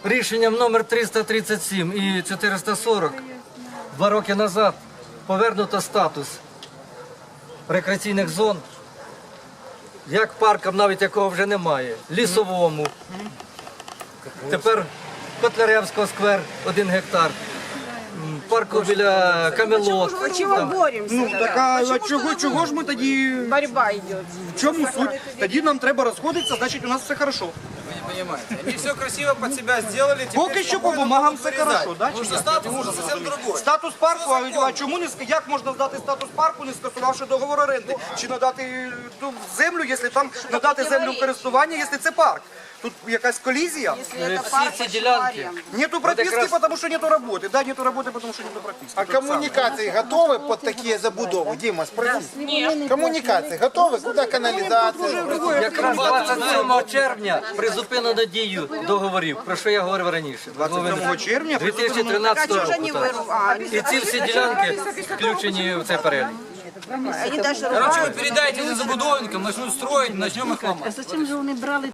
рішенням номер 337 і 440 2 роки назад повернуто статус рекреаційних зон, як паркам, навіть якого вже немає, Лісовому. Тепер Котляревського сквер 1 гектар, парку біля Камелот. Почему боремся? Ну так а чого ж ми тоді? Борьба идет. В чому суть? Тоді нам треба розходитися, значить у нас все хорошо. Понимаете? Они все красиво под себя сделали. теперь Поки що по бумагам все хорошо, да? Потому что статус уже совсем другой. Статус парку, а чому не як можна здати статус парку, не скасувавши договор оренди? Чи надати ту землю, якщо там надати землю в користування, якщо це парк? Тут якась колізія? Всі ці ділянки. Нету прописки, потому что нету работы. Да, нету работы, потому что нету прописки. А коммуникации готовы под такие забудовы? Дима, спроси. Нет. Коммуникации готовы? Куда канализация? Якраз 27 червня призупинено дію договорів, про що я говорив раніше. 27 червня 2013 року. так. І ці всі ділянки включені в цей перелік. Короче, вы передайте это забудовникам, начнут строить, начнем их ломать. Зачем же вони брали